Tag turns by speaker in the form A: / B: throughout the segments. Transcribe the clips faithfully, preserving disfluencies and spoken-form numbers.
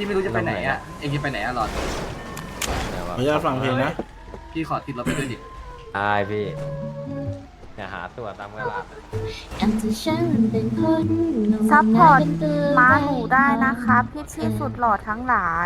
A: พี่ไม่รู้จะไปไหนอ่ะเองจะไปไหนอะหลอด
B: ขออนุญาตฟังเพลงนะ
A: พี่ขอติดรถไปด้วยดิ
C: ใช่พี่อย่าหาตัวตามเวลา
D: ซัพพอร์ตม้าหนูได้นะคะพี่พี่สุดหล่อทั้งหลาย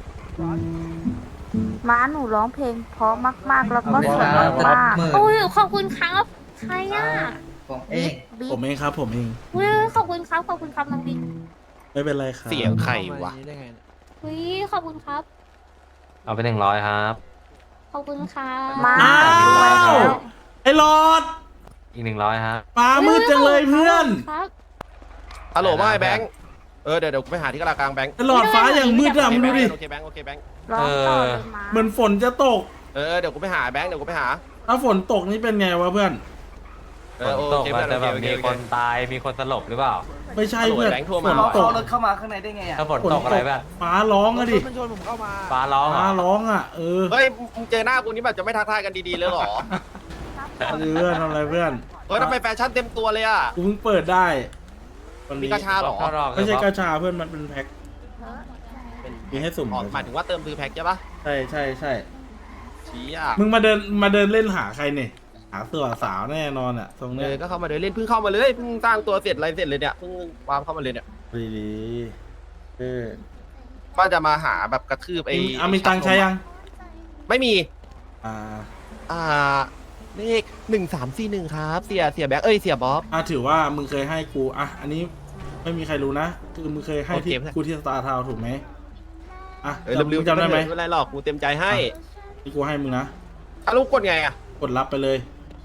D: ม้าหนูร้องเพลงเพราะมากๆ แล้วก็สวยมาก
E: โอ้ยขอบคุณครับใครอ่ะ
A: ผมเอง
D: ๆบิ๊
B: ผมเองครับผมเอง
E: อุ้ยขอบคุณครับขอบคุณครับน้องบิ๊ก
B: ไม่เป็นไรครับ
F: เสียงใครวะ
E: อุ้ยขอบคุณครับ
C: เอาไปหนึ่งร้อยครับ
E: ขอบคุณครับ
D: ม้า
B: อ้า
D: หนูรวยแล้ว ว
B: ไอ้หลอด
C: อีกหนึ่งร้อยครับ
B: ฟ้ามืดจังเลยเพื่อน
E: ครับ
F: ฮัลโหลไม่แบงค์เออเดี๋ยวเดี๋ยวกูไปหาที่กลางกลางแบงค์
B: ไอ้หลอดฟ้าอย่างมืดอะมึงดูดิ
F: โอเคแบงค์โอเคแบงค์
D: ร้องต่อเลยม้า
B: เหมือนฝนจะตก
F: เออเดี๋ยวกูไปหาแบงค์เดี๋ยวกูไปหา
B: ถ้าฝนตกนี่เป็นไงวะเพื่อน
F: เอ
C: ฝ
F: อน โอ
C: ตก
F: เค
C: อาจจะแบบ
F: โอเค
C: มี
F: โอเค
C: คนตายมีคนสลบหรือเปล่า
B: ไม่ใช่เพื่อน
F: แบงค์โทร
B: ฝ
F: มา
B: น
A: เขา
B: ตก
A: เอารถเข้ามาข้างในได้ไงอ่ะ
C: ถ้าฝนตกอะไรแบบ
B: ฟ้าร้องอะดิ
G: มันชนผมเข้ามา
C: ฟ้าร้องเหร
B: ฟ้า
C: อ
B: ร้องอะเออ
F: เฮ้ยมึงเจอหน้ากูนี่แบบจะไม่ทักทายกันดีๆเลยเหรอ
B: เพื่อนทำอะไรเพื่อน
F: เฮ้ยทำไมแฟชั่นเต็มตัวเลยอ่ะ
B: กูเพิ่งเปิดได้วัน
F: มี
B: นี้
F: กระชาเหรอ
C: เข้ารอบ
B: ไม่ใช่กระชาเพื่อนมันเป็นแพ็คมีให้สุ่ม
F: อ๋อหมายถึงว่าเติมซื้อแพ็คใช่ปะ
B: ใช่ใช่ใช่
F: ชี้อ่ะ
B: มึงมาเดินมาเดินเล่นหาใครเนี่ยหาตัวสาวแน่นอนอะตรง
F: เอ
B: เนี้ย
F: อก็เข้ามาเดินเล่นเพิ่งเข้ามาเลยเพิ่งสร้างตัวเสร็จอะไรเสร็จเลยเนี่ยเพิ่งวางเข้ามาเลยเนี่ย
B: ดีดีๆเออ
F: ว่าจะมาหาแบบกระทืบไอ้
B: มีอามีตังค์ใช้ยัง
F: ไม่มี
B: อ่า
F: อ่าเลขหนึ่งสามสี่หนึ่งครับเสียเสียแบงค์เอ้ยเสียบ๊อบ
B: อ่ะถือว่ามึงเคยให้กูอ่ะอันนี้ไม่มีใครรู้นะคือมึงเคยให้ที่
F: โอเค
B: กูที่สตาร์ทาวถูกไหมอ่ะ
F: เออลืมๆ
B: จำได้ไหม
F: ไม่เป็นไรหรอกกูเต็มใจให้
B: ที่กูให้มึงนะ
F: อ่ะลูกกดไงอ่ะ
B: กดรับไปเลย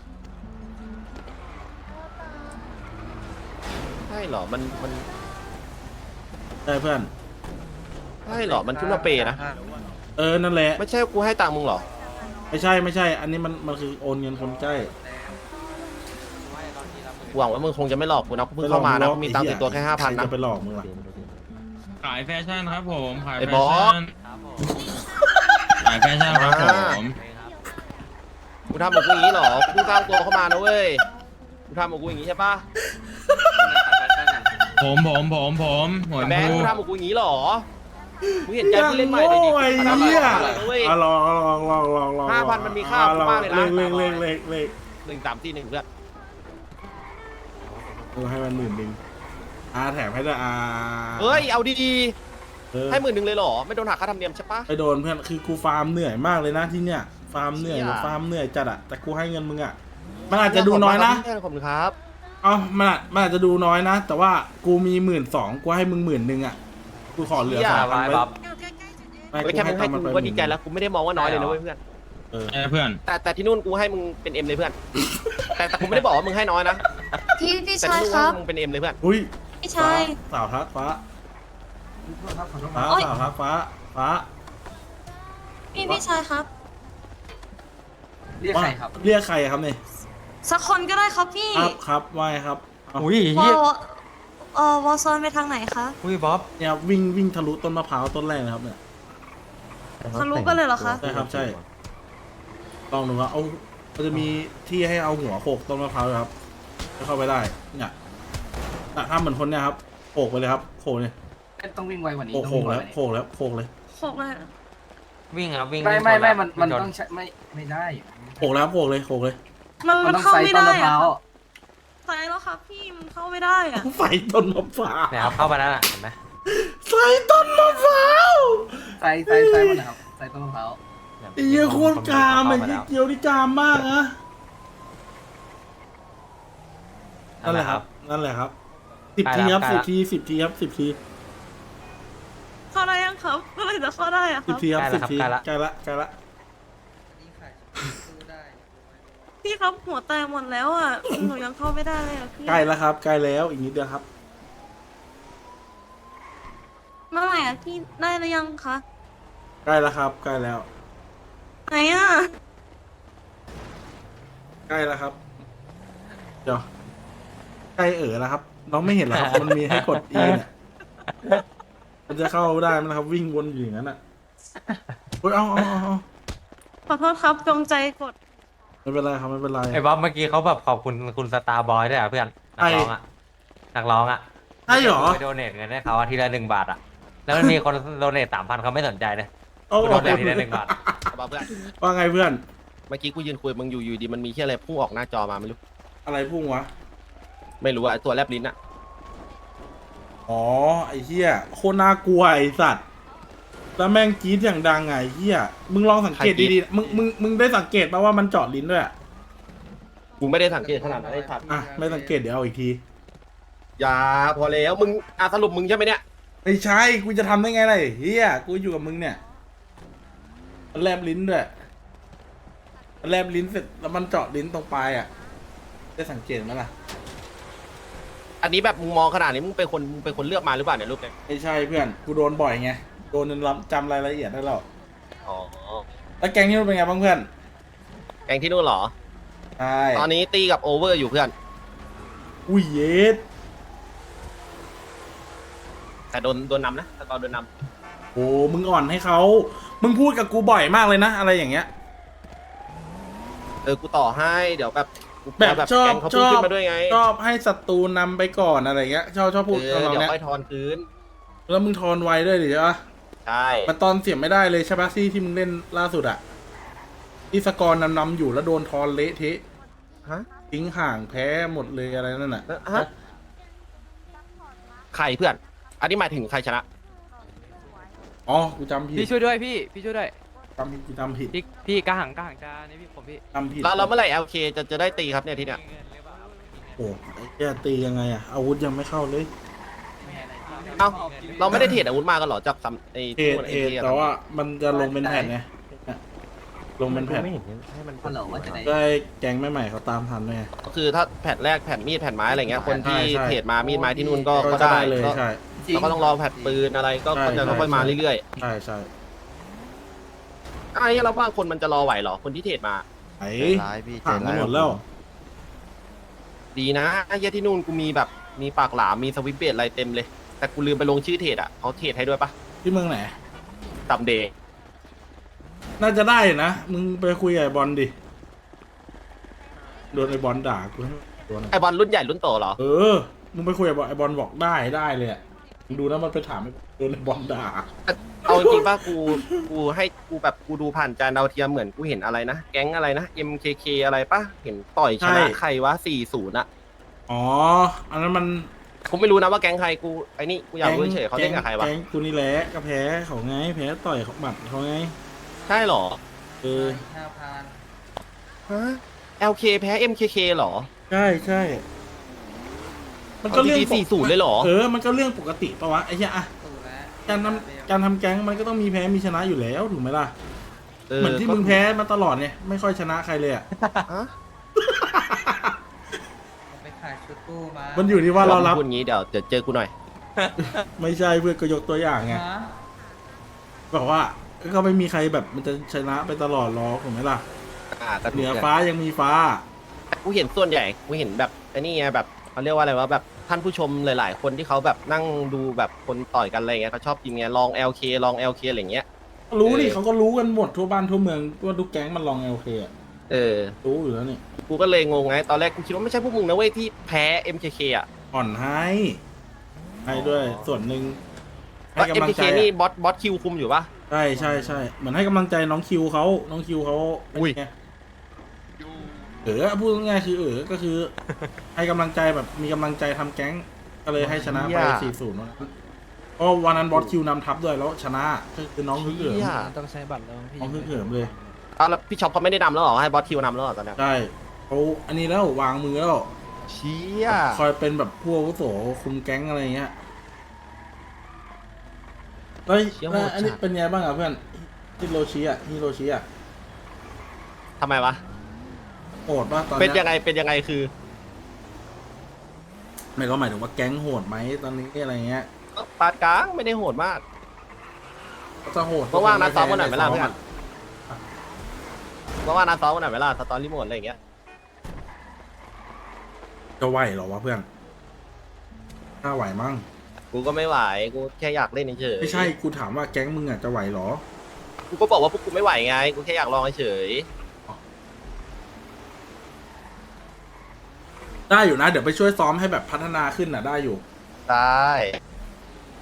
F: ใช่เหรอมันมัน
B: ได้เพื่อน
F: ใช่เหรอมันขึ้นมาเปย์นะ
B: เออนั่นแหละ
F: ไม่ใช่กูให้ตังค์มึงเหรอ
B: ไม่ใช่ไม่ใช่ อันนี้มันมันคือโอนเงินคนใกล้
F: หวังว่ามึงคงจะไม่หลอกกูนะกูเพิ่งเข้ามานะกูมีตังค์ติดตัวแค่ห้าพันนะ
B: จะไปหลอกมึงล่ะ
H: ขายแฟชั่นครับผมขาย
F: ไอ้
H: แฟ
F: บอส
H: ชั่นขายแฟชั่นครับผม
F: กูทำกับกูอย่างนี้เหรอกูเพิ่งสร้างตัวเข้ามานะเว้ยกูทำกับกูอย่างนี้ใช่ปะ
H: ผมผมผมผมหัว
F: แบงค์
H: พู
F: กูทำกับกูอย่างนี้เหรอกูเห็นใจผู้เล่นใหม่เลยดิ
B: โอ้ย
F: กูทำ
B: เหี้ย
F: อะไรนะเว้ย
B: อ่ะลองลองลองลองลอง
F: ห้าพันมันมีค่า
B: อ่ะ
F: มากเลยนะ
B: เลขเลขเลขเลขเลข
F: หนึ่งสามสี่หนึ่งเพื่อน
B: กูให้มันหมื่นหนึ่งอ่าแถมให้ด้วยอ่า
F: เฮ้ยเอาดี
B: เออ
F: ๆให้หมื่นหนึ่งเลยเหรอไม่โดนหักค่าธรรมเนียมใช่ปะ
B: ไปโดนเพื่อนคือกูฟาร์มเหนื่อยมากเลยนะที่เนี้ยฟาร์มเหนื่อย
F: เชี่ย
B: ฟาร์มเหนื่อยจัดอะแต่กูให้เงินมึงอะมันอาจจะดูน้อยนะ
F: ขอบคุณครับ
B: เอ้ามันอาจมันอาจจะดูน้อยนะ แต่ว่ากูมีหมื่นสองกูให้มึงหมื่นหนึ่งอะกูขอเหลือสองพัน
C: ไว้
B: ไว้
C: บ๊อบ
B: ไม่
F: เฮ้ยแค่มึงให้กูก็ดีใจแล้วกูไม่ได้มองว่าน้อยเลยนะเว้ยเพื่อน
B: เออ
H: เอ้ยเพื่อน
F: แต่แต่ที่นู่นกูให้มึงเป็นเอ็มเลยเพื่อน แต่แต่กูไม่ได้บอกว่ามึงให้น้อยนะ
E: พี่พี่
F: แต่
E: ชาย
F: ที่นู่น
E: ครับ
F: มึงเป็นเอ็มเลยเพื่อน
B: อุ้ย
E: พี่
B: ฟ้า
E: ชาย
B: สาวทักฟ้าฟ้า
E: โอ๊ย
B: สาวทักฟ้าฟ้า
E: พี่พี่ชายครับ
A: เรียกใครครับ
B: เรียกใครครับเนี่ย
E: สักคนก็ได้ครับพี่
B: ครับครับว่าไงครับเอา
C: อุ้ยว
E: อ
C: เหี้ย
E: เอ่อวอซอนไปทางไหนคะ
C: อุ้ยบ๊อบ
B: เนี่ยวิ่งวิ่งทะลุต้นมะพร้าวต้นแรกนะครับเนี่ย
E: ทะลุกันเลยเหรอคะ
B: ใช่ครับใช่ลองดูว่าเอามันจะมีที่ให้เอาหัวโขกต้นมะพร้าวด้วยครับจะเข้าไปได้เนี่ยน่ะถ้าเหมือนคนเนี่ยครับโขกไปเลยครับโขกเลย
A: ต้องวิ่งไวกว่านี้
B: โขก
A: ต้อง
B: โข
A: วิ่
B: ก
A: งไว
B: แล้ว
A: กว่า
B: โขกแล้วโขกเลย
E: โขกเลย
C: วิ่งครับวิ่ง
A: นี้ไม่
C: วิ่ง
A: ไม่
C: ช
A: ไม่มันมัน
C: วิ่ช
A: ต้องใช้ไม่ไม่ได้
B: โขกแล้วโขกเลยโขกเลย
E: มัน
A: มั
E: มัน น
A: ต้อง
E: เข้า
A: ใส่
E: ไม่
A: ต้น
E: ได้
A: มะพ
E: อะ
A: ร้าว
E: ใส่แล้วครับพี่มันเข้าไม่ได้อะ
B: ใส่ต้นมะพร้าว
C: เนี่ยครับเข้ามาแล้วน่ะเห็นไหม
B: ใส่ต้นมะพร้าว
A: ใส่ใส่ใส่มันนะครับใส่ต้นมะพร้าว
B: ไอ้เหี้ยโคตรกามไอ้เหี้ยเกียวนี่กามมากนะนั่นแหละครับนั่นแหละครับสิบทีครับสิบทีสิบทีครับสิบที
E: เข้าได้ยังครับเมื่อไหรจะเข้าได้อะค
B: สิบ
E: รับ
B: ทีครับสิบทีใกล้ละใกล้ละ
E: พี่ครับหัวแตกหมดแล้วอ่ะหนูยังเข้าไม่ได้เลยอะพี่
B: ใกล้แล้วครับใกล้แล้วอีกนิดเดียวครับ
E: เมื่อไหร่อะพี่ได้หรือยังคะ
B: ใกล้แล้วครับใกล้แล้ว
E: ไหนอะ
B: ใกล้แล้วครับเดี๋ยวใกล้เอ๋อแล้วครับน้องไม่เห็นเหรอครับมันมีให้กด E เนี่ยมันจะเข้าได้ไหมครับวิ่งวนอยู่อย่างนั้นอ่ะเฮ้ยเอาเอาเอาเอา
E: ขอโทษครับจงใจกด
B: ไม่เป็นไรครับไม่เป็นไร
C: ไอ้บ๊อบเมื่อกี้เขาแบบขอบคุณคุณสตาร์บอยด้วยอ่ะเพื่อนนักร้องอ่ะนักร้องอ่ะ
B: ใช่เหรอ
C: ไปโดเนทเงินให้เขาอาทีละหนึ่งบาทอ่ะแล้วมันมีคนโดเนทสามพันเขาไม่สนใจนะ
B: โอ้
C: กูโดนแดกทีละหนึ่งบาท
F: เอามาเพื่อน
B: ว่าไงเพื่อน
F: เมื่อกี้กูยืนคุยมึงอยู่อยู่ดีมันมีแค่อะไรพุ่งออกหน้าจอมาไม่รู้
B: อะไรพุ่งวะ
F: ไม่รู้อะไอ้ตัวแลบลิ้นอะ
B: อ๋อไอ้เหี้ยโคตรน่ากลัวไอ้สัตว์แล้วแม่งกรี๊ดอย่างดังไงไอ้เหี้ยมึงลองสังเกตดีๆมึงมึงมึงได้สังเกตป่ะว่ามันเจาะลิ้นด้วยอะ
F: กูไม่ได้สังเกตขนาดนั้นไอ้สัตว์
B: อ่ะไม่สังเกตเดี๋ยวเอาอีกที
F: อย่าพอแล้วมึงอ่ะสรุปมึงใช่ไหมเนี่ย
B: ไม่ใช่กูจะทำได้ไงล่ะไอ้เฮียกูอยู่กับมึงเนี่ยมันแลบลิ้นด้วยมันแลบลิ้นเสร็จแล้วมันเจาะลิ้นตรงปลายอ่ะได้สังเกตไหมล่ะ
F: อันนี้แบบมึงมองขนาดนี้มึงเป็นคนมึงเป็นคนเลือกมาหรือเปล่าเนี่ยรูปเนี่ย
B: ไม่ใช่เพื่อนกูโดนบ่อยไงโดนจนจำรายละเอียดได้แล้ว
F: อ๋อ
B: แล้วแกงนี่มันเป็นไงบ้างเพื่อน
F: แกงที่นู่นเหรอ
B: ใช่
F: ตอนนี้ตีกับโอเวอร์อยู่เพื่อน
B: อุ้ยเย็ด
F: แต่โดนโดนนำนะแต่ตอนโดนน
B: โอ้มึงอ่อนให้เขามึงพูดกับกูบ่อยมากเลยนะอะไรอย่างเงี้ย
F: ำเออกูต่อให้เดี๋ยวแบบกู
B: แบบ
F: แบบ
B: ชอบ
F: แกงเขา
B: ช
F: พุ่ง
B: อบ
F: ขึ้นมาด้วยไง
B: ชอบให้ศัตรูนำไปก่อนอะไรเงี้ยชอบชอบพูด
F: เออ
B: ทำนอง
F: เดี๋ยว
B: เนี้ย
F: ค่อยทอนคืน
B: แล้วมึงทอนไวด้วยดิใช่ปะ
F: ใช่
B: มันตอนเสียบไม่ได้เลยใช่ปะที่ที่มึงเล่นล่าสุดอะที่สกอร์นำนำอยู่แล้วโดนทอนเละเทะ
F: ฮะ
B: ทิ้งห่างแพ้หมดเลยอะไรนั่นน่ะ
F: ฮะใครเพื่อน อันนี้หมายถึงใครชนะ
B: อ๋อกูจำผิด
G: พี่ช่วยด้วยพี่ พี่ช่วยด้วย
B: จำผิดกูจำผิด
G: พี่พี่กระหังกระหังจานี่พี่ผมพี่
B: จำผิด
F: แล้วเราเมื่อไหร่ แอล เค จะจะได้ตีครับเนี่ยทีเนี้ย
B: โอ้ไอ้เหี้ยตียังไงอะอาวุธยังไม่เข้าเลย
F: เอ้าเราไม่ได้เทรดอาวุธมากันเหรอจากซัมไอ้
B: เท
F: ที่
B: รด
F: มัน
B: เท
F: ไอ้
B: รด
F: ที่
B: แต่ว่ามันจะลงเป็นแผ่นไงเนี่ยลงเป็นแผ่น
C: ไม่เห็นให้มัน
A: ฮัลโหลว่าจะไหน
B: ได้แกงใหม่ๆเขาตามทันไง
F: ก็คือถ้าแผ่นแรกแผ่นมีดแผ่นไม้อะไรเงี้ยคนที่
B: ใช่ใช่
F: เทรดมามีดไม้ที่นู่นก็
B: ก็
F: ก็
B: จะ
F: ได้
B: ได้เลย
F: ก็
B: ใช่
F: เราก็ต้องรอแผ่นปืนอะไรก็
B: ใช่
F: ก็จะ
B: ใช่
F: ค่อยๆมาเรื่อย
B: ใช่ใช่
F: ๆไอ้เราว่าคนมันจะรอไหวเหรอคนที่เทรดมา
B: ไอ้ผ่านไปหมดแล้ว
F: ดีนะไอ้เหี้ยที่นู่นกูมีแบบมีปากหลามมีสวิปเบตอะไรเต็มเลย แต่กูลืมไปลงชื่อเทรดอ่ะเขาเทรดให้ด้วยปะ
B: ที่เมืองไหน
F: ตัมเดย์
B: น่าจะได้นะมึงไปคุยกับไอ้บอลดิโดนไอ้บอลด่ากูให้โดน
F: ไอบอลรุ่นใหญ่รุ่นโตเหรอ
B: เออ มึงไปคุยกับบอลไอบอลบอกได้ได้เลยอะมึงดูนะมันไปถามไอ้โดนไอบอลด่า
F: เอาจริงๆป่ะกูกูให้กูแบบกูดูผ่านจานดาวเทียมเหมือนกูเห็นอะไรนะแก๊งอะไรนะ เอ็ม เค เค อะไรป่ะเห็นต่อยชนะใครวะสี่ศูนย์อะ
B: อ๋อ อันนั้นมัน
F: กูไม่รู้นะว่าแก๊งใครกูไอ้นี่กูอยากรู้เฉยๆเขาเล่นกับใครวะ
B: แก๊งกูนี่แหละก็แพ้เขาไง แพ้ต่อยเขาหมัดเขาไง
F: ใช่เหรอ
B: เออ
A: ห้าพัน
F: ฮะ แอล เค แพ้ เอ็ม เค เค เหรอ
B: ใช่ใช่ มันก็เรื่อง
F: สี่ศูนย์เลยเหรอ
B: เออ มันก็เรื่องปกติปะวะไอ้เหี้ยอะ
A: ตู้แล้ว
B: การทำการทำแก๊งมันก็ต้องมีแพ้มีชนะอยู่แล้วถูกไหมล่ะ
F: เออ
B: เหมือนที่มึงแพ้มาตลอดเนี่ยไม่ค่อยชนะใครเลยอะ
F: ฮะ
A: ไปขายชุดตู้มา
B: มันอยู่ที่ว่าเรารับ
F: พูดงี้เดี๋ยวเดี๋ยวเจอกูหน่อย
B: ไม่ใช่เพื่อนก็ยกตัวอย่างไง
A: ฮะ
B: บอกว่าก็ไม่มีใครแบบมันจะชนะไปตลอดหรอกถูกไหมล่ะ
F: อ่าก็
B: เห
F: ถู
B: นื
F: ก
B: อ
F: เลย
B: ฟ้ายังมีฟ้า
F: กูเห็นส่วนใหญ่กูเห็นแบบไอ้นี่ไงแบบเขาเรียกว่าอะไรวะแบบท่านผู้ชมหลาย ๆ คนที่เขาแบบนั่งดูแบบคนต่อยกันอะไรเงี้ยเขาชอบกินไงลอง แอล เค ลอง แอล เค อะไรเงี้ย
B: รู้นี่
F: เออ
B: เขาก็รู้กันหมดทั่วบ้านทั่วเมืองว่าทุกแก๊งมันลองเอลเคอะ
F: เออ
B: รู้อยู่แล้วนี่
F: กูก็เลยงงไง ตอนแรกกูคิดว่าไม่ใช่พวกมึงนะเว้ยที่แพ้ เอ็ม เค เค อ่ะ
B: อ่อนให้ให้ด้วยส่วนหนึ่งให้
F: ว่า
B: กำลัง
F: เอ็ม เค
B: ใจ
F: เค นี่
B: อะ
F: บอสบอสคิวคุมอยู่ปะ
B: ใช่ใช่ใช่เหมือนให้กำลังใจน้องคิวเขาน้องคิวเขา
F: อุ้ย
B: เป็นไงเออพูดง่ายๆคือเออก็คือ ให้กำลังใจแบบมีกำลังใจทำแก๊งก็เลยให้ชนะไปสี่ศูนย์เพราะวันนั้นบอสคิวนำทัพด้วยแล้วชนะก็คือน้องฮึกเหิม
F: เหี้ย
G: ต้องใช้บัตรแล้วพี่
B: น้องฮึกเหิมเลย
F: อ้าวแล้วพี่ช็อปเขาไม่ได้นำแล้วเหรอให้บอสคิวนำแล้วเหรอตอนเนี้ย
B: ใช่เขาอันนี้แล้ววางมือแล้ว
F: เชี่ย
B: คอยเป็นแบบผู้อาวุโสคุมแก๊งอะไรเงี้ยแล้วแล้วอันนี้เป็นไงบ้างอ่ะเพื่อนฮิโรชิอ่ะฮิโรชิอ่ะ
F: ทำไมวะ
B: โหดป่ะตอน
F: เป็น
B: เนี้
F: ยังไงเป็นยังไงคือ
B: ไม่ก็หมายถึงว่าแก๊งโหดไหมตอนนี้อะไรเงี้ย
F: ปาดกลางไม่ได้โหดมาก
B: ก็จะโหด
F: เพราะว่านัดซ้อมวันไหนเวลา
B: ซ้
F: เพื่อนเพราะว่านัดซ้อมวันไหนเวลาสตอรี่โหมดอะไรอย่างเงี้ย
B: จะไหวเหรอวะเพื่อนถ้าไหวมั้ง
F: กูก็ไม่ไหวกูแค่อยากเล่นเฉยๆ
B: ไม่ใช่กูถามว่าแก๊งมึงอ่ะจะไหวเหรอ
F: กูก็บอกว่าพวกกูไม่ไหวไงกูแค่อยากลองเฉย
B: ได้อยู่นะ เดี๋ยวไปช่วยซ้อมให้แบบพัฒนาขึ้นอ่ะได้อยู่
F: ได้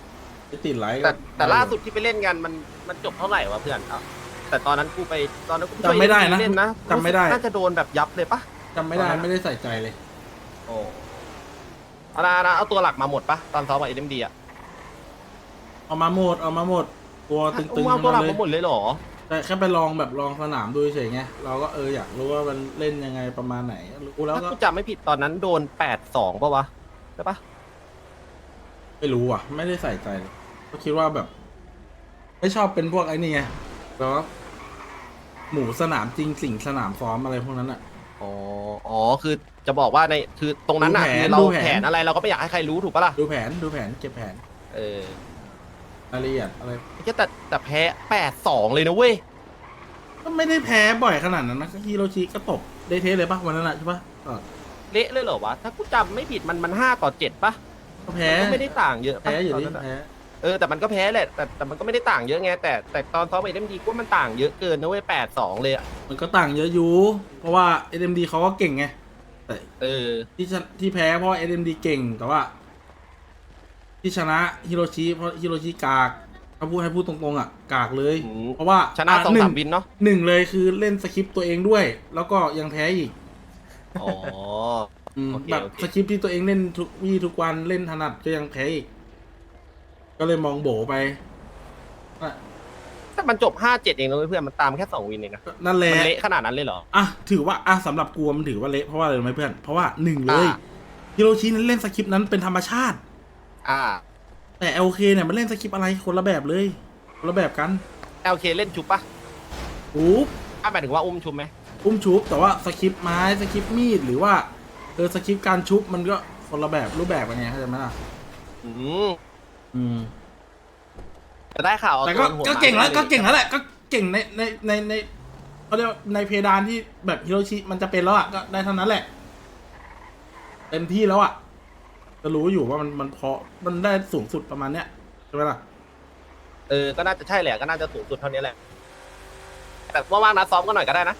B: ไปติดไลค์
F: แต่แต่ล่าสุดที่ไปเล่นกันมันมันจบเท่าไหร่วะเพื่อนเอาแต่ตอนนั้นกูไปตอนนั้นกูป
B: จำไม่ได้นะ
F: เล่นนะ
B: จำไม่ได้
F: น่าจะโดนแบบยับเลยปะ
B: จำไม่ได้ไม่ได้ใส่ใจเลย
F: โอ้เอานะนะเอาตัวหลักมาหมดปะตอนซ้อมกับเอ็มดีอะ
B: เอามาหมดเอามาหมดตัวตึงๆ
F: เอาตัวหลัก
B: ทั้
F: มาง หม
B: นั้นเลย
F: ดเลยเหรอ
B: แต่แค่ไปลองแบบลองสนามดูเฉยๆไงเราก็เอออยากรู้ว่ามันเล่นยังไงประมาณไหนรู้แล้ว
F: ถ้า
B: ก็
F: กูจำไม่ผิดตอนนั้นโดนแปดสองปะวะใช่ปะ
B: ไม่รู้อ่ะ ไม่ได้ใส่ใจเลยก็คิดว่าแบบ ไม่ชอบเป็นพวกไอ้นี่ไงแล้วหมูสนามจริงสิ่งสนามซ้อมอะไรพวกนั้นอ่ะ
F: อ๋ออ๋อคือจะบอกว่าในคือตรงนั้นน่ะ
B: ดูแผน
F: คือเรา
B: ดูแผน
F: แผนอะไรเราก็ไม่อยากให้ใครรู้ถูกปะล่ะ
B: ดูแผนดูแผนเก็บแผน
F: เออ
B: รายละเอียดอะไร
F: แต่แต่แพ้แปดสองเลยนะเว้ย
B: ก็ไม่ได้แพ้บ่อยขนาดนั้นนะฮิโรชิก็ตบได้เทสเลยปะวันนั้นอะใช่ปะก็
F: เละเลยเหรอวะ ถ้ากูจำไม่ผิดมันมันห้าต่อเจ็ดปะ
B: ก็แพ้
F: มันก็ไม่ได้ต่างเยอะปะ
B: แพ้อยู่
F: ตน
B: ดิ
F: นั้นอะ
B: แพ้
F: เออแต่มันก็แพ้แหละแต่แต่มันก็ไม่ได้ต่างเยอะไงแต่แต่ตอนซ้อมเอ็มดีกูว่ามันต่างเยอะเกินนะเว้ยแปดสองเลยอะ
B: มันก็ต่างเยอะอยู่เพราะว่า เอ็ม ดี เขาก็เก่งไงแต่
F: เออ
B: ที่ชนะที่แพ้เพราะ เอ็ม ดี เก่งแต่ว่า ที่ชนะฮิโรชิเพราะฮิโรชิกากถ้าพูดให้พูดตรงๆอ่ะกากเลย
F: อืม
B: เพราะว่า
F: ชนะ
B: อ่
F: สอง
B: ห
F: สามวินเนาะ
B: หนึ่งเลยคือเล่นสคริปต์ตัวเองด้วย แล้วก็ยังแพ้อีก
F: อ๋อ
B: อืม
F: โอเค
B: แบบ
F: โอเค
B: สคริปต์ที่ตัวเองเล่นทุกวี่ทุกวันเล่นถนัดก็ยังแพ้อีก ก็เลยมองโบไปอ่ะ
F: แต่มันจบห้าเจ็ดเองนะเว้ยเพื่อนมันตามแค่สองวินเองนะ
B: นั่นแหละ
F: มันเละขนาดนั้นเลยเหรอ
B: อ่ะถือว่าอ่ะสำหรับกูมันถือว่าเละเพราะว่าอะไรรู้ไหมเพื่อนเพราะว่าหนึ่งเลย
F: อ่า
B: ฮิโรชินั้นเล่นสคริปต์นั้นเป็นธรรมชาติ
F: อ่า
B: แต่ แอล เค เนี่ยมันเล่นสคริปต์อะไรคนละแบบเลยคนละแบบกัน
F: แอลเคเล่นชุบปะ
B: อุ๊บ
F: อ่ะหมายถึงว่าอุ้มชุบไหม
B: อุ้มชุบแต่ว่าสคริปต์ไม้สคริปต์มีดหรือว่าเออสคริปต์การชุบมันก็คนละแบบรูปแบบกันไงเข้าใจไหมล่ะ
F: อืม
B: อืม
F: แต่ได้ข่าวเอา
B: แต่ก็
F: ตัวหัว
B: ก็เก่งแล้ว
F: มา
B: ก็เก่งแล้วแหละก็เก่งในในในในเขาเรียกว่าในเพดานที่แบบฮิโรชิมันจะเป็นแล้วอ่ะก็ได้เท่านั้นแหละเต็มที่แล้วอ่ะจะรู้อยู่ว่ามันมันพอมันได้สูงสุดประมาณเนี้ยใช่ไหมล่ะ
F: เออก็น่าจะใช่แหละก็น่าจะสูงสุดเท่านี้แหละแต่ว่างๆนะซ้อมกันหน่อยก็ได้นะ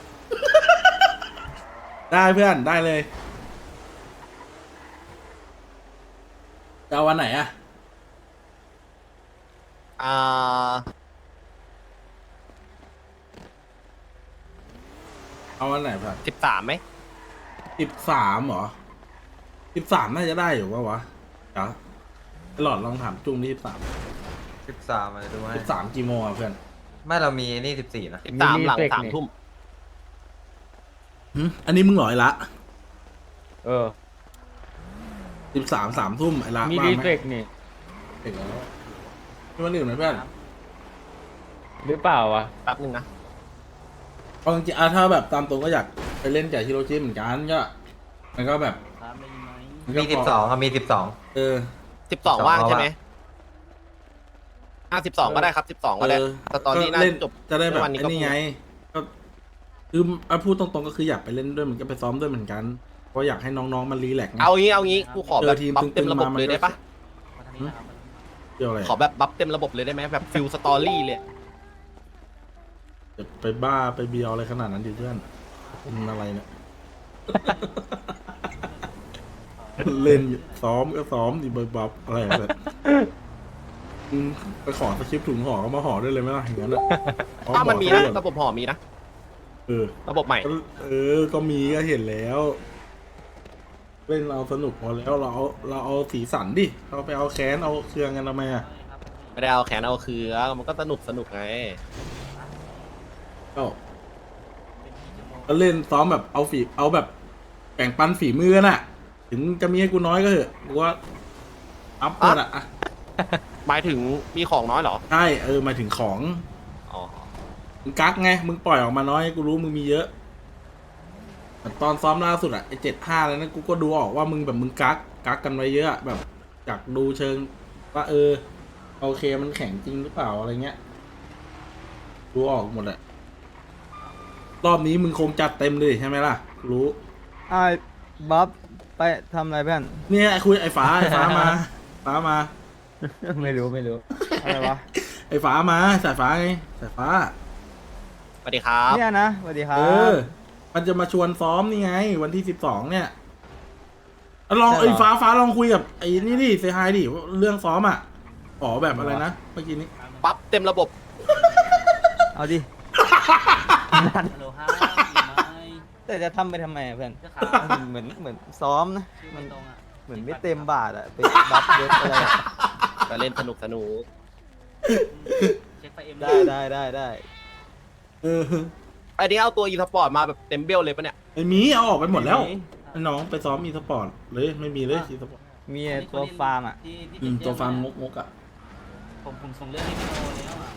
B: ได้เพื่อนได้เลยจะเอาวันไหนอ่ะ
F: อ่า
B: เอาวันไหนเพื่อน
F: สิบสามไหม
B: สิบสามเหรอสิบสามน่าจะได้อยู่ปะวะเดี๋ยวไอ้หลอดลองถามจุ้งที่สิบสาม
A: สิบสามอะไรดูไหม
B: สิบสามกี่โมงอ่ะเพื่อน
A: ไม่เรามีนี่สิบสี่นะ
F: สิบสามหลังสามทุ่ม
B: หึอันนี้มึงหลอยละ
G: เออ
B: สิบสามสามทุ่มไอ้ละ
G: มี
B: ว่า
G: รี
B: ไหม
G: เฟกนี่
B: เห็นแล้วนี่มันหนึ่งนะเพื่อน
G: หรือเปล่าวะ
F: แป๊บนึงนะ
B: เอาจริงๆอ่ะถ้าแบบตามตรงก็อยากไปเล่นกับฮิโรชิเหมือนกันก็มันก็แบบนก็
A: มีสิบสองครับมีสิบสอง
B: เออ
F: สิบสองว่างใช่ไหมอ่ะสิบสองก็ได้ครับสิบสองก็ได้
B: เออ
F: แต่ตอนนี้น่า
B: ก็เล่น
F: จบ
B: จะได้แบบ
F: วันนี้
B: ไอ้
F: ก็
B: นี่ไงก็คืออ่ะพูดตรงๆก็คืออยากไปเล่นด้วยเหมือนกันไปซ้อมด้วยเหมือนกันเพราะอยากให้น้องๆมันรีแลกซ์ไง
F: เอางี้เอางี้กูขอแบบ
B: เจอทีม
F: บัฟเต็ม
B: ตึงๆ
F: ระบบ
B: มามัน
F: เลย
B: ก็
F: ได้ปะ
B: เดี๋ยวอะไร
F: ขอแบบบัฟเต็มระบบเลยได้ไหมแบบฟิลสตอรี่เลย
B: จะไปบ้าไปเบียวอะไรขนาดนั้นดิเพื่อนมันอะไรเนี่ย เล่นซ้อมก็ซ้อมดิบบับอะไรแบบอืมไปขอสคริปต์ถุงห่อก็มาห่อได้เลยไหมล่ะอย่างนั้นอ่ะ
F: ถ้ามันมีนะระบบห่อมีนะ
B: เออ
F: ระบบใหม่
B: ก็เออ ก็มีก็เห็นแล้ว เล่นเราสนุกพอแล้วเราเอาเราเอาสีสันดิเราไปเอาแค้นเอาเครื่องกันทำไมอ่ะ
F: ไม่ได้เอาแขนเอาคือมันก็สนุกสนุกไง
B: ก็ก็เล่นซ้อมแบบเอาฝีเอาแบบแบ่งปันฝีมือน่ะ ถึงจะมีให้กูน้อยก็เถอะกูว่าอัพหมดอ่ะอ่ะ
F: หมายถึงมีของน้อยเหรอ
B: ใช่เออหมายถึงของ
F: อ๋อ
B: มึงกักไง มึงปล่อยออกมาน้อยกูรู้มึงมีเยอะแต่ตอนซ้อมล่าสุดอะไอเจ็ดห้าแล้วนะกูก็ดูออกว่ามึงแบบมึงกักกักกันไว้เยอะอะแบบอยากดูเชิงว่าเออโอเคมันแข็งจริงหรือเปล่าอะไรเงี้ยดูออกหมดอะรอบนี้มึงคงจัดเต็มเลยใช่ไหมล่ะ รู้
I: ไอ้บ๊อบไปทำอะไรเพื่อน
B: เนี่ยไอ้คุยไอ้ฟ้าไอ้ฟ้ามา ฟ้ามา
I: ไม่รู้ไม่รู้ อะไรวะ
B: ไอ้ฟ้ามาสายฟ้าไงสายฟ้า
F: สวัสดีครับ
I: เนี่ยนะสวัสดีครั
B: เอบ อ มันจะมาชวนซ้อมนี่ไง วันที่สิบสองเนี่ยอ่ะลอง
I: ใช่เหรอ
B: ไอ้ฟ้าฟ้าลองคุยกับไอ้นี่ดิเซฮายดิเรื่องซ้อมอ่ะอ๋อแบบอะไรนะเมื่อกี้นี้
F: ปั๊บเต็มระบบ
I: เอาดิ
H: ฮัลโหลฮะอยู่ไหม
I: แต่จะทำไปทำไมอะเพื่อน
H: จะขา
I: เหมือนเหมือนซ้อมนะ
H: ชื่อ
I: มั
H: ไม่
I: น
H: ตรงอ่ะ
I: เหมือนไม่เต็มบาทอะไปบัฟเยอะอะไรอะ
F: ก็เล่นสนุกสนุก
H: เช็คไฟเอ็ม
I: ได้ได้ได้ได้
B: เออ
F: อันนี้เอาตัวอีสปอร์ตมาแบบเต็มเบลเลยปะเนี่ย
B: ไอ้หมีเอาออกไปหมดแล้วไอ้น้องไปซ้อมอีสปอร์ตเลยไม่มีเลยอีสปอร์ต
I: มีไอ้ตัวฟาร์มอะ
H: ที่ที่
B: อืม
H: เจ็ด
B: ตัวฟาร์ม
H: แย
B: ง
H: ก
B: กงกๆอ่ะ
H: ผมผมส่งเรื่องให้พี่โอแล้วอ่ะ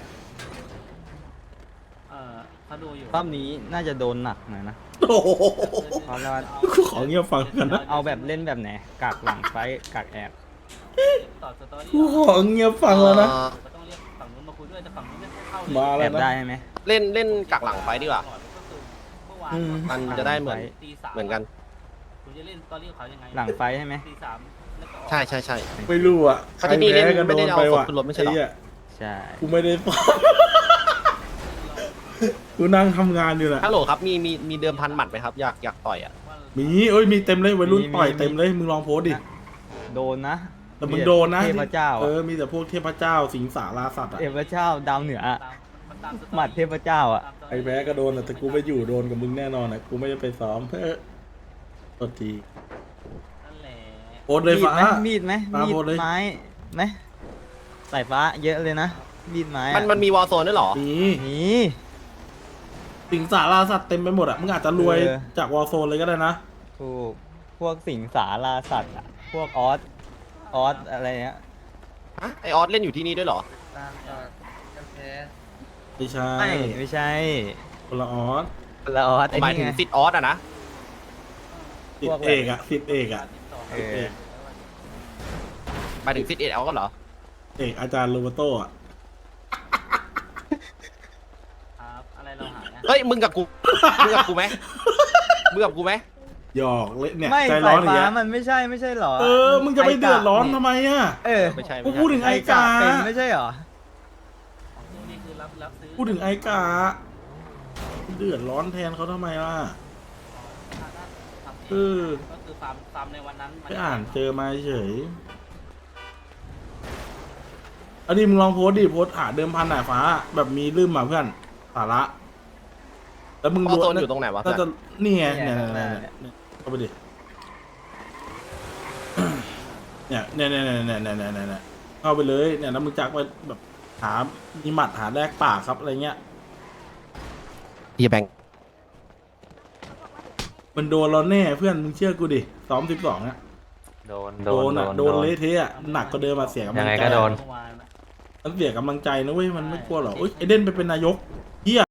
H: เออเขาดูอยู่
I: รอบนี้น่าจะโดนหนักหน่อยนะ
B: โอ้โห
I: เพราะว่า
B: กูขอเงียบฟังกันนะ
I: เอาแบบเล่นแบบไหนกากหลังไฟท์กากแอบ
H: ต่อสตอรี่
B: กูขอเงียบฟังแล้วนะ
F: เอ่อ
H: ก็ต้องเรียกฝั่งนู้นมาคุยด้วยแต่ฝั่งนู้นไม่ค่อยเข้าเลย
B: มา
I: แอ
B: แล้ว
I: บได้
B: นะ
I: ไหม
F: เล่นเล่นกักหลังไฟดีกว่า
H: ก็คือเมื่อวาน
B: อืม
F: มันจะได้เหมือน
H: ตีสาม
F: เหมือนกัน
H: คุณจะเล่นสตอรี่ของเขายังไง
I: หลังไฟท์ใช่ไหม
H: ตีสามแล้วก็ออก
F: ใช่ใช่ใช่
B: ไม่รู้อ่ะ
F: เพราะที่นี่เล่น
B: ใครแพ้ก็
F: ไม่ได้เอา
B: โป
F: ศพ
B: ว่ะ
F: ขึ้นรถไม่ใช่เหรอ
B: อ้เหี้ย
I: ใช่
B: กูไม่ได้ซ้อม กูนั่งทำงานอยู่น่ะ
F: ฮัลโหลครับมีมีมีเดิมพันหมัดไหมครับอยากอยากต่อยอ่ะ
B: มีเอ้ยมีเต็มเลยวัยรุ่นต่อยเต็มเลยมึงลองโพสต์ดิ
I: โดนนะ
B: แต่มึงโดนนะ
I: เทพเจ้า
B: เอ
I: อะ
B: อมีแต่พวกเทพเจ้าสิงสาราสัตว์อ่ะ
I: เทพเจ้าดาวเหนืออะ
H: ตามมันตามสตอรี่
I: หมัดเทพเจ้าอะ
H: ตามสตรี่
B: ไอ้แพ้ก็โดนอะแต่กูไม่อยู่โดนกับมึงแน่นอนอ่ะกูไม่ได้ไปซ้อมเพ้อตัวที
H: นั่นแหละ
B: โพสต์เลยฟ้า
I: มีดไหม
B: ฟ้า
I: มีด
B: โพสต์เลย
I: ไม้ไหมสายฟ้าเยอะเลยนะ มีดไม้อะ
F: มันมันมีวอลโซนด้วยเหรอ
B: มี
I: นี่
B: สิงสาราสัตว์เต็มไปหมดอ่ะมึงอาจจะรวย
I: เออ
B: จากวอลโซนเลยก็ได้นะ
I: ถูกพวกสิงสาราสัตว์อะพวกออสออสอะไรเงี้ย
F: ฮะไอออสเล่นอยู่ที่นี่ด้วยเหรอ
B: ไม่ใช่
I: ไม่ไม่ใช่
B: คนละออส
I: คนละออสไอ้
F: หมาย
I: นี่
F: ถึง
I: ไง
F: ซิดออสอะนะ
B: สิทธิเอกอ่ะสิทธิเอกอ่ะ
I: เออ
F: หมายถึงซิดเอ็ดเอาก็เหรอ
B: เอกอาจารย์โรเบโต้อ่ะ
H: ครับอะไรเราหายนะ
F: เฮ้ยมึงกับกูมึงกับกูไหมมึงกับกูไหม
B: หยอกเละเนี่ย
I: ไม่
B: ใจร้
I: สา
B: อย นอย่าง
I: ฟ้า
B: เงี้ย
I: มันไม่ใช่ไม่ใช่หรอ
B: เออมึงจะไปเดือดร้อนทำไมอ่ะ
I: เออ
F: ไม่ใช่
B: กู
F: ไม่
B: พูด
F: ใช่
B: ถึง
I: ไอ้
B: ไอ้
I: กาก
B: า
I: เป็นไม่ใช่หรอ
H: ของนี่คือรับรับซื้อ
B: พูดถึงไอ้กาเดือดร้อนแทนเขาทำไมล่ะ
H: ทำเอ
B: เอง อ
H: ก็คือฟาร์มฟาร์มในวันนั้นมั
B: ไปอ่านเจอมาเฉยอันนี้มึงลองโพสต์ดิโพสต์หาเดิมพันหน่ายฟ้า แบบมีลืมมาเพื่อนสาระ แล้วมึง
F: วอลโซนอยู่ตรงไหนวะ
B: น่าจะนี่ไง
I: เนี่
B: เนี่ย
I: ย
B: เนี่ยเนี่ยเข้าไปดิ เนี่ยเนี่ยเนี่ยเนี่ยเนี่ยเนี่ยเนี่ยเนี่ยเข้าไปเลยเนี่ยแล้วมึงจักไปแบบหามีหมัดหาแลกปากครับอะไรเงี้ย
F: เฮียแบงค์
B: มันโดนเราแน่เพื่อนมึงเชื่อกูดิซ้อมสิบสองอะ
G: โดน
B: โดนอะโดนเละเทะอะหนักก็เดิมมาเสียกำลั
G: ยัง
B: ง
G: ไง
B: ใจ
G: ก็โดน
H: เมื่อวาน
B: มันเสียกำลังใจนะเว้ยมันไม่กลัวหรอกเอ้ยไอเด่นไปเป็นนายกเฮีย